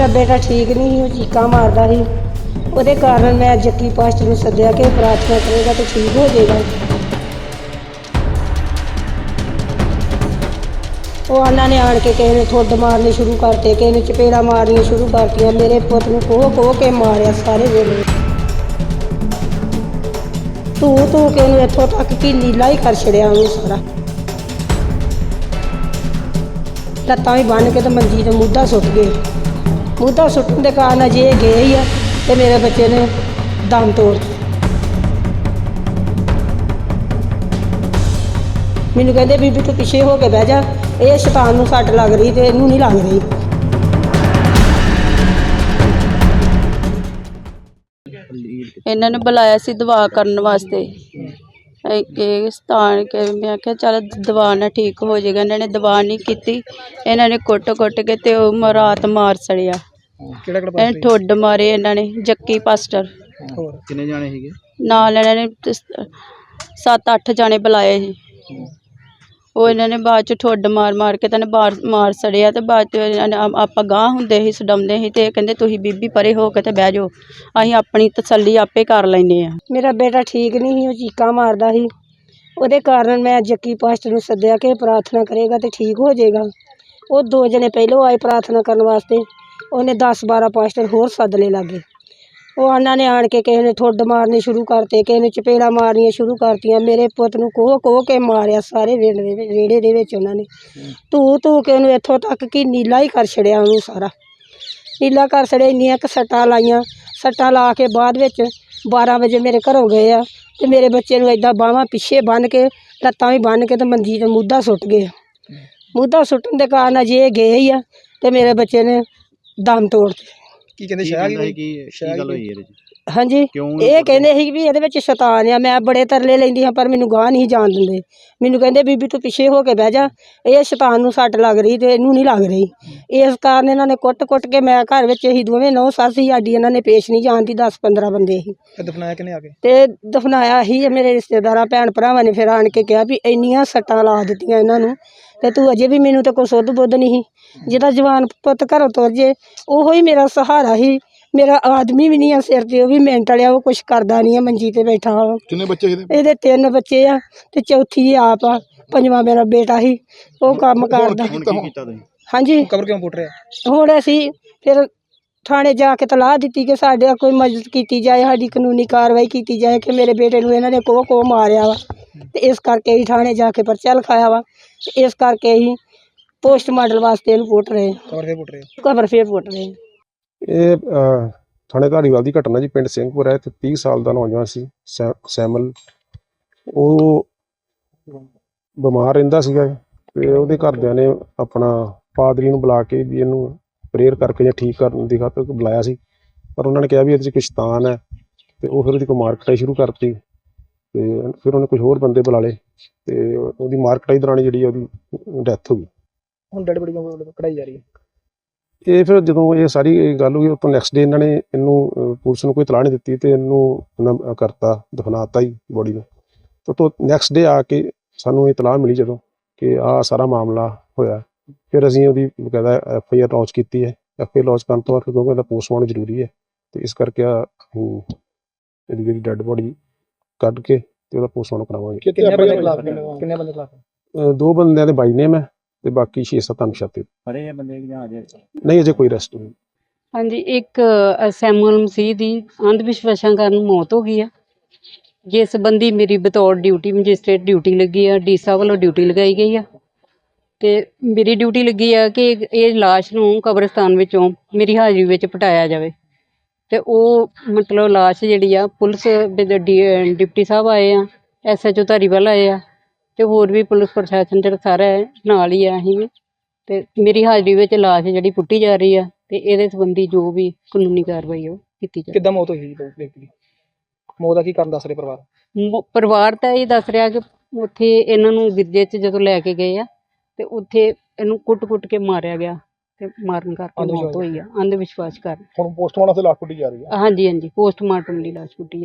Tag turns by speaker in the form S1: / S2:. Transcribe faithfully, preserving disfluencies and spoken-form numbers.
S1: ਮੇਰਾ ਬੇਟਾ ਠੀਕ ਨਹੀਂ ਸੀ, ਉਹ ਚੀਕਾਂ ਮਾਰਦਾ ਸੀ। ਉਹਦੇ ਕਾਰਨ ਮੈਂ ਜੱਕੀ ਪਾਸਟਰ ਨੂੰ ਸੱਦਿਆ ਕਿ ਪ੍ਰਾਰਥਨਾ ਕਰੇਗਾ ਤਾਂ ਠੀਕ ਹੋ ਜਾਏਗਾ। ਉਹ ਉਹਨਾਂ ਨੇ ਆਣ ਕੇ ਕਿਸੇ ਨੇ ਠੁੱਡ ਮਾਰਨੇ ਸ਼ੁਰੂ ਕਰਤੇ, ਕਿਸੇ ਨੇ ਚਪੇੜਾ ਮਾਰਨੀਆਂ ਸ਼ੁਰੂ ਕਰਤੀਆਂ। ਮੇਰੇ ਪੁੱਤ ਨੂੰ ਕੋਹ ਕੋਹ ਕੇ ਮਾਰਿਆ ਸਾਰੇ ਵੇਲੇ। ਤੂੰ ਤੂੰ ਕਿ ਉਹਨੂੰ ਇੱਥੋਂ ਤੱਕ ਕਿ ਨੀਲਾ ਹੀ ਕਰ ਛੜਿਆ ਉਹਨੂੰ ਸਾਰਾ। ਲੱਤਾਂ ਵੀ ਬੰਨ੍ਹ ਕੇ ਤੇ ਮੰਜੀ ਤੇ ਮੁੱਧਾ ਸੁੱਟ ਗਏ। ਮੁੱਧਾ ਸੁੱਟਣ ਦੇ ਕਾਰਨ ਅਜੇ ਗਏ ਹੀ ਆ ਤੇ ਮੇਰੇ ਬੱਚੇ ਨੇ ਦਮ ਤੋੜ ਦਿੱਤਾ। ਮੈਨੂੰ ਕਹਿੰਦੇ ਬੀਬੀ ਤੂੰ ਪਿੱਛੇ ਹੋ ਕੇ ਬਹਿ ਜਾ, ਇਹ ਸ਼ੈਤਾਨ ਨੂੰ ਸੱਟ ਲੱਗ ਰਹੀ ਤੇ ਇਹਨੂੰ ਨਹੀਂ ਲੱਗ ਰਹੀ।
S2: ਇਹਨਾਂ ਨੇ ਬੁਲਾਇਆ ਸੀ ਦਵਾ ਕਰਨ ਵਾਸਤੇ ਇਹ ਸਥਾਨ ਕੇ ਮੈਂ ਕਿਹਾ ਚੱਲ ਦਵਾ ਨਾਲ ਠੀਕ ਹੋ ਜਾਏਗਾ। ਇਹਨਾਂ ਨੇ ਦਵਾ ਨਹੀਂ ਕੀਤੀ, ਇਹਨਾਂ ਨੇ ਕੁੱਟ ਕੁੱਟ ਕੇ ਤੇ ਉਹ ਰਾਤ ਮਾਰ ਸੜਿਆ। ਇਹ ਠੁੱਡ ਮਾਰੇ ਇਹਨਾਂ ਨੇ ਜੱਕੀ ਪਾਸਟਰ।
S3: ਕਿੰਨੇ ਜਾਣੇ ਸੀਗੇ
S2: ਨਾਲ? ਇਹਨਾਂ ਨੇ ਸੱਤ ਅੱਠ ਜਾਣੇ ਬੁਲਾਏ ਸੀ। ਉਹ ਇਹਨਾਂ ਨੇ ਬਾਅਦ 'ਚ ਠੁੱਡ ਮਾਰ ਮਾਰ ਕੇ ਤਾਂ ਮਾਰ ਮਾਰ ਸੜਿਆ ਤੇ ਬਾਅਦ 'ਚ ਇਹਨਾਂ ਨੇ ਆਪਾਂ ਗਾਂਹ ਹੁੰਦੇ ਸੀ ਛਡਾਉਂਦੇ ਸੀ ਤੇ ਕਹਿੰਦੇ ਤੁਸੀਂ ਬੀਬੀ ਪਰੇ ਹੋ ਕੇ ਤੇ ਬਹਿ ਜਾਓ, ਅਸੀਂ ਆਪਣੀ ਤਸੱਲੀ ਆਪੇ ਕਰ ਲੈਂਦੇ ਹਾਂ।
S1: ਮੇਰਾ ਬੇਟਾ ਠੀਕ ਨਹੀਂ ਸੀ, ਉਹ ਚੀਕਾਂ ਮਾਰਦਾ ਸੀ। ਉਹਦੇ ਕਾਰਨ ਮੈਂ ਜੱਕੀ ਪਾਸਟਰ ਨੂੰ ਸੱਦਿਆ ਕਿ ਪ੍ਰਾਰਥਨਾ ਕਰੇਗਾ ਤੇ ਠੀਕ ਹੋ ਜਾਏਗਾ। ਉਹ ਦੋ ਜਣੇ ਪਹਿਲੋਂ ਆਏ ਪ੍ਰਾਰਥਨਾ ਕਰਨ ਵਾਸਤੇ, ਉਹਨੇ ਦਸ ਬਾਰਾਂ ਪਾਸਟਰ ਹੋਰ ਸੱਦ ਲਏ ਲਾਗੇ। ਉਹ ਉਹਨਾਂ ਨੇ ਆਣ ਕੇ ਕਿਸੇ ਨੇ ਠੁੱਡ ਮਾਰਨੇ ਸ਼ੁਰੂ ਕਰਤੇ, ਕਿਸੇ ਨੇ ਚਪੇੜਾ ਮਾਰਨੀਆਂ ਸ਼ੁਰੂ ਕਰਤੀਆਂ। ਮੇਰੇ ਪੁੱਤ ਨੂੰ ਕੋਹ ਕੋਹ ਕੇ ਮਾਰਿਆ ਸਾਰੇ ਵਿਹੜੇ ਦੇ ਵਿਹੜੇ ਦੇ ਵਿੱਚ ਉਹਨਾਂ ਨੇ। ਧੂ ਧੂ ਕੇ ਉਹਨੂੰ ਇੱਥੋਂ ਤੱਕ ਕਿ ਨੀਲਾ ਹੀ ਕਰ ਛੜਿਆ ਉਹਨੂੰ ਸਾਰਾ। ਨੀਲਾ ਕਰ ਛੜਿਆ। ਇੰਨੀਆਂ ਕੁ ਸੱਟਾਂ ਲਾਈਆਂ। ਸੱਟਾਂ ਲਾ ਕੇ ਬਾਅਦ ਵਿੱਚ ਬਾਰਾਂ ਵਜੇ ਮੇਰੇ ਘਰੋਂ ਗਏ ਆ ਤੇ ਮੇਰੇ ਬੱਚੇ ਨੂੰ ਏਦਾਂ ਬਾਹਾਂ ਪਿੱਛੇ ਬੰਨ੍ਹ ਕੇ ਲੱਤਾਂ ਵੀ ਬੰਨ੍ਹ ਕੇ ਤੇ ਮੰਜੀ ਤੇ ਮੁੱਧਾ ਸੁੱਟ ਗਏ। ਮੁੱਧਾ ਸੁੱਟਣ ਦੇ ਕਾਰਨ ਅਜੇ ਗਏ ਹੀ ਆ ਤੇ ਮੇਰੇ ਬੱਚੇ ਨੇ ਦਮ ਤੋੜ ਦਿੱਤੇ।
S3: ਕੀ ਕਹਿੰਦੇ ਸ਼ਾਇਦ ਕੀ ਗੱਲ ਹੋਈ ਇਹਦੇ ਚ?
S1: ਹਾਂਜੀ, ਇਹ ਕਹਿੰਦੇ ਸੀ ਵੀ ਇਹਦੇ ਵਿੱਚ ਸ਼ੈਤਾਨ ਆ। ਮੈਂ ਬੜੇ ਤਰਲੇ ਲੈਂਦੀ ਹਾਂ ਪਰ ਮੈਨੂੰ ਗਾਹ ਨਹੀਂ ਜਾਣ ਦਿੰਦੇ। ਮੈਨੂੰ ਕਹਿੰਦੇ ਬੀਬੀ ਤੂੰ ਪਿੱਛੇ ਹੋ ਕੇ ਬਹਿ ਜਾ, ਇਹ ਸ਼ੈਤਾਨ ਨੂੰ ਸੱਟ ਲੱਗ ਰਹੀ ਤੇ ਇਹਨੂੰ ਨਹੀਂ ਲੱਗ ਰਹੀ। ਇਸ ਕਾਰਨ ਇਹਨਾਂ ਨੇ ਕੁੱਟ ਕੁੱਟ ਕੇ, ਮੈਂ ਘਰ ਵਿੱਚ ਅਸੀਂ ਦੋਵੇਂ ਨੌ ਸੱਸ ਸੀ ਸਾਡੀ, ਇਹਨਾਂ ਨੇ ਪੇਸ਼ ਨਹੀਂ ਜਾਣ ਦੀ। ਦਸ ਪੰਦਰਾਂ ਬੰਦੇ ਸੀ।
S3: ਦਫਨਾਇਆ ਕਿਨੇ ਆ ਕੇ? ਤੇ
S1: ਦਫਨਾਇਆ ਹੀ ਮੇਰੇ ਰਿਸ਼ਤੇਦਾਰਾਂ ਭੈਣ ਭਰਾਵਾਂ ਨੇ ਫਿਰ ਆਣ ਕੇ ਕਿਹਾ ਵੀ ਇੰਨੀਆਂ ਸੱਟਾਂ ਲਾ ਦਿੱਤੀਆਂ ਇਹਨਾਂ ਨੂੰ ਤੇ ਤੂੰ ਅਜੇ ਵੀ ਮੈਨੂੰ ਤਾਂ ਕੋਈ ਸੁੱਧ ਬੁੱਧ ਨਹੀਂ ਸੀ। ਜਿਹਦਾ ਜਵਾਨ ਪੁੱਤ ਘਰੋਂ ਤੁਰ ਜੇ ਉਹੋ ਹੀ ਮੇਰਾ ਸਹਾਰਾ ਸੀ। ਮੇਰਾ ਆਦਮੀ ਵੀ ਨਹੀਂ ਆ ਸਿਰ ਤੇ, ਉਹ ਵੀ ਮਿੰਟ ਵਾਲਿਆ, ਉਹ ਕੁਛ ਕਰਦਾ ਨਹੀਂ ਆ, ਮੰਜੀ ਤੇ ਬੈਠਾ ਵਾ।
S3: ਕਿੰਨੇ ਬੱਚੇ ਇਹਦੇ?
S1: ਇਹਦੇ ਤਿੰਨ ਬੱਚੇ ਆ ਤੇ ਚੌਥੀ ਆਪ ਆ, ਪੰਜਵਾਂ ਮੇਰਾ ਬੇਟਾ ਸੀ, ਉਹ ਕੰਮ ਕਰਦਾ। ਹਾਂਜੀ,
S3: ਕਬਰ ਕਿਉਂ ਪੁੱਟ ਰਿਹਾ?
S1: ਹੁਣ ਅਸੀਂ ਫਿਰ ਥਾਣੇ ਜਾ ਕੇ ਤਲਾਹ ਦਿੱਤੀ ਕਿ ਸਾਡੇ ਕੋਈ ਮਦਦ ਕੀਤੀ ਜਾਏ, ਸਾਡੀ ਕਾਨੂੰਨੀ ਕਾਰਵਾਈ ਕੀਤੀ ਜਾਏ ਕਿ ਮੇਰੇ ਬੇਟੇ ਨੂੰ ਇਹਨਾਂ ਨੇ ਕੋਹ ਕੋਹ ਮਾਰਿਆ ਵਾ ਤੇ ਇਸ ਕਰਕੇ ਅਸੀਂ ਥਾਣੇ ਜਾ ਕੇ ਪਰਚਾ ਲਿਖਾਇਆ ਵਾ। ਤੇ ਇਸ ਕਰਕੇ ਅਸੀਂ ਪੋਸਟਮਾਰਟਮ ਵਾਸਤੇ ਇਹਨੂੰ ਪੁੱਟ ਰਹੇ
S3: ਕਬਰ ਫੇਰ ਪੁੱਟ ਰਹੇ
S1: ਕਬਰ ਫੇਰ ਪੁੱਟ ਰਹੇ
S4: ਇਹ ਥਾਣੇ ਧਾਰੀਵਾਲ ਦੀ ਘਟਨਾ ਜੀ। ਪਿੰਡ ਸਿੰਘਪੁਰ ਹੈ ਤੇ ਤੀਹ ਸਾਲ ਦਾ ਨੌਜਵਾਨ ਸੀ ਸੈ ਸੈਮਲ। ਉਹ ਬਿਮਾਰ ਰਹਿੰਦਾ ਸੀਗਾ ਤੇ ਉਹਦੇ ਘਰਦਿਆਂ ਨੇ ਆਪਣਾ ਪਾਦਰੀ ਨੂੰ ਬੁਲਾ ਕੇ ਵੀ ਇਹਨੂੰ ਪ੍ਰੇਅਰ ਕਰਕੇ ਜਾਂ ਠੀਕ ਕਰਨ ਦੀ ਖਾਤਰ ਬੁਲਾਇਆ ਸੀ, ਪਰ ਉਹਨਾਂ ਨੇ ਕਿਹਾ ਵੀ ਇਹਦੇ 'ਚ ਕੁਛ ਸ਼ੈਤਾਨ ਹੈ ਤੇ ਉਹ ਫਿਰ ਉਹਦੀ ਕੋਈ ਮਾਰਕਟਾਈ ਸ਼ੁਰੂ ਕਰਤੀ ਤੇ ਫਿਰ ਉਹਨੇ ਕੁਝ ਹੋਰ ਬੰਦੇ ਬੁਲਾ ਲਏ ਤੇ ਉਹਦੀ ਮਾਰਕਟਾਈ ਦੌਰਾਨ ਜਿਹੜੀ ਉਹਦੀ ਡੈਥ ਹੋ ਗਈ।
S3: ਹੁਣ ਡੈਡ ਬੜੀ ਕਢਾਈ ਜਾ ਰਹੀ ਹੈ।
S4: ਇਹ ਫਿਰ ਜਦੋਂ ਇਹ ਸਾਰੀ ਗੱਲ ਹੋਈ ਉਸ ਤੋਂ ਨੈਕਸਟ ਡੇ ਇਹਨਾਂ ਨੇ ਇਹਨੂੰ ਪੁਲਿਸ ਨੂੰ ਕੋਈ ਇਤਲਾਹ ਨਹੀਂ ਦਿੱਤੀ ਤੇ ਇਹਨੂੰ ਉਹਨਾਂ ਕਰਤਾ, ਦਫਨਾਤਾ ਹੀ ਬੋਡੀ ਨੂੰ। ਤੇ ਤੋਂ ਨੈਕਸਟ ਡੇ ਆ ਕੇ ਸਾਨੂੰ ਇਤਲਾਹ ਮਿਲੀ ਜਦੋਂ ਕਿ ਆਹ ਸਾਰਾ ਮਾਮਲਾ ਹੋਇਆ, ਫਿਰ ਅਸੀਂ ਉਹਦੀ ਬਕਾਇਦਾ ਐਫ ਆਈ ਆਰ ਲਾਂਚ ਕੀਤੀ ਹੈ। ਐਫ ਆਈ ਆਰ ਲਾਂਚ ਕਰਨ ਤੋਂ ਬਾਅਦ ਕਿਉਂਕਿ ਇਹਦਾ ਪੋਸਟਮਾਰਟਮ ਜ਼ਰੂਰੀ ਹੈ ਤੇ ਇਸ ਕਰਕੇ ਆ ਇਹਦੀ ਜਿਹੜੀ ਡੈਡ ਬੋਡੀ ਕੱਢ ਕੇ ਤੇ ਉਹਦਾ ਪੋਸਟਮਾਰਟਮ ਕਰਾਵਾਂਗੇ।
S3: ਕਿੰਨੇ ਬੰਦੇ ਖਿਲਾਫ? ਕਿੰਨੇ ਬੰਦੇ ਖਿਲਾਫ?
S4: ਦੋ ਬੰਦਿਆਂ ਦੇ ਬਾਈ ਨੇਮ ਹੈ ਤੇ ਬਾਕੀ ਛੇ ਸੱਤ ਅਣਪਛਾਤੇ।
S3: ਫੜੇ ਬੰਦੇ ਜਾਂ ਅਜੇ
S4: ਨਹੀਂ, ਅਜੇ ਕੋਈ ਅਰੈਸਟ ਨਹੀਂ।
S5: ਹਾਂਜੀ, ਇੱਕ ਸੈਮੂਅਲ ਮਸੀਹ ਦੀ ਅੰਧ ਵਿਸ਼ਵਾਸਾਂ ਕਾਰਨ ਮੌਤ ਹੋ ਗਈ ਆ, ਜਿਸ ਸੰਬੰਧੀ ਮੇਰੀ ਬਤੌਰ ਡਿਊਟੀ ਮੈਜਿਸਟਰੇਟ ਡਿਊਟੀ ਲੱਗੀ ਆ। ਡੀ ਸਾਹਿਬ ਵੱਲੋਂ ਡਿਊਟੀ ਲਗਾਈ ਗਈ ਆ ਤੇ ਮੇਰੀ ਡਿਊਟੀ ਲੱਗੀ ਆ ਕਿ ਇਹ ਲਾਸ਼ ਨੂੰ ਕਬਰਸਤਾਨ ਵਿੱਚੋਂ ਮੇਰੀ ਹਾਜ਼ਰੀ ਵਿੱਚ ਪਟਾਇਆ ਜਾਵੇ। ਤੇ ਉਹ ਮਤਲਬ ਲਾਸ਼ ਜਿਹੜੀ ਆ ਪੁਲਿਸ ਡਿਪਟੀ ਸਾਹਿਬ ਆਏ ਆ, ਐਸ ਐਚ ਓ ਧਾਰੀਵਾਲ ਆਏ ਆ ਤੇ ਹੋਰ ਵੀ ਪੁਲਿਸ ਪ੍ਰਸ਼ਾਸਨ ਜਿਹੜਾ ਸਾਰਾ ਨਾਲ ਹੀ ਆ। ਅਸੀਂ ਵੀ ਤੇ ਮੇਰੀ ਹਾਜ਼ਰੀ ਵਿੱਚ ਲਾਸ਼ ਜਿਹੜੀ ਪੁੱਟੀ ਜਾ ਰਹੀ ਆ ਤੇ ਇਹਦੇ ਸੰਬੰਧੀ ਜੋ ਵੀ ਕਾਨੂੰਨੀ ਕਾਰਵਾਈ ਉਹ ਕੀਤੀ ਜਾਵੇ।
S3: ਕਿੱਦਾਂ ਮੌਤ ਹੋਈ ਜੀ ਵਿਅਕਤੀ ਦੀ? ਮੌਤ ਦਾ ਕੀ ਕਾਰਨ ਦੱਸ ਰਿਹਾ ਪਰਿਵਾਰ?
S5: ਪਰਿਵਾਰ ਤਾਂ ਇਹ ਦੱਸ ਰਿਹਾ ਕਿ ਉੱਥੇ ਇਹਨਾਂ ਨੂੰ ਗਿਰਜੇ 'ਚ ਜਦੋਂ ਲੈ ਕੇ ਗਏ ਆ ਤੇ ਉੱਥੇ ਇਹਨੂੰ ਕੁੱਟ-ਕੁੱਟ ਕੇ ਮਾਰਿਆ ਗਿਆ ਤੇ ਮਾਰਨ ਕਰਕੇ ਮੌਤ ਹੋਈ ਆ ਅੰਧ ਵਿਸ਼ਵਾਸ ਕਾਰਨ।
S3: ਹੁਣ ਪੋਸਟਮਾਰਟਮ ਤੇ ਲਾਸ਼ ਪੁੱਟੀ ਜਾ ਰਹੀ ਹੈ।
S5: ਹਾਂਜੀ ਹਾਂਜੀ, ਪੋਸਟਮਾਰਟਮ ਦੀ ਲਾਸ਼ ਪੁੱਟੀ